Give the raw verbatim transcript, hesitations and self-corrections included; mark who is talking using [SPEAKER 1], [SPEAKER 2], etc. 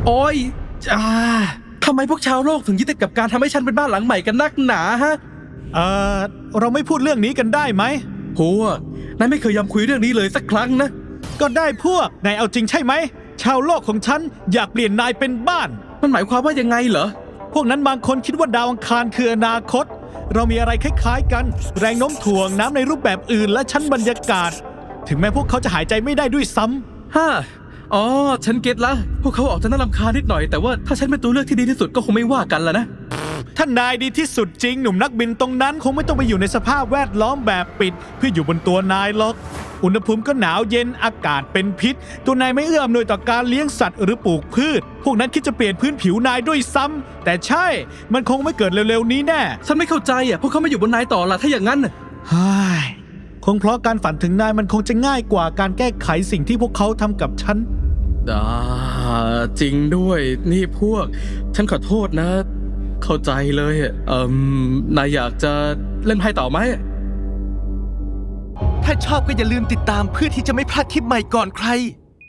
[SPEAKER 1] โอ้ยอ่าทำไมพวกชาวโลกถึงยึดติดกับการทำให้ฉันเป็นบ้านหลังใหม่กันนักหนาฮะ
[SPEAKER 2] เอ่อเราไม่พูดเรื่องนี้กันได้ไหม
[SPEAKER 1] พวกนายไม่เคยยอมคุยเรื่องนี้เลยสักครั้งนะ
[SPEAKER 2] ก็ได้พวกนายเอาจริงใช่ไหมชาวโลกของฉันอยากเปลี่ยนนายเป็นบ้าน
[SPEAKER 1] มันหมายความว่ายังไงเหรอ
[SPEAKER 2] พวกนั้นบางคนคิดว่าดาวอังคารคืออนาคต เรามีอะไรคล้ายๆกัน แรงโน้มถ่วงน้ำในรูปแบบอื่นและชั้นบรรยากาศ ถึงแม้พวกเขาจะหายใจไม่ได้ด้วยซ้ำ
[SPEAKER 1] ฮ่าอ๋อ ฉันเก็ตละ พวกเขาออกจะน่ารำคาญนิดหน่อย แต่ว่าถ้าฉันเป็นตัวเลือกที่ดีที่สุดก็คงไม่ว่ากันละนะ
[SPEAKER 2] ถ้านายดีที่สุดจริงหนุ่มนักบินตรงนั้นคงไม่ต้องไปอยู่ในสภาพแวดล้อมแบบปิด เพื่ออยู่บนตัวนายหรอก อุณหภูมิก็หนาวเย็นอากาศเป็นพิษ ตัวนายไม่เอื้ออำนวยต่อการเลี้ยงสัตว์หรือปลูกพืช พวกนั้นคิดจะเปลี่ยนพื้นผิวนายด้วยซ้ำแต่ใช่มันคงไม่เกิดเร็วๆนี้แน่
[SPEAKER 1] ฉันไม่เข้าใจอ่ะ พวกเขาไม่อยู่บนนายต่อละถ้าอย่างนั้นน่ะ
[SPEAKER 2] เฮ้ยคงเพราะการฝันถึงนายมันคงจะง่ายกว่าการแก้ไขสิ่งที่พวกเขาทำกับฉัน
[SPEAKER 1] อ่าจริงด้วย นี่พวก ฉันขอโทษนะ เข้าใจเลยอะเอ่มนายอยากจะเล่นไพ่ต่อไหม
[SPEAKER 3] ถ้าชอบก็อย่าลืมติดตามเพื่อที่จะไม่พลาดคลิปใหม่ก่อนใคร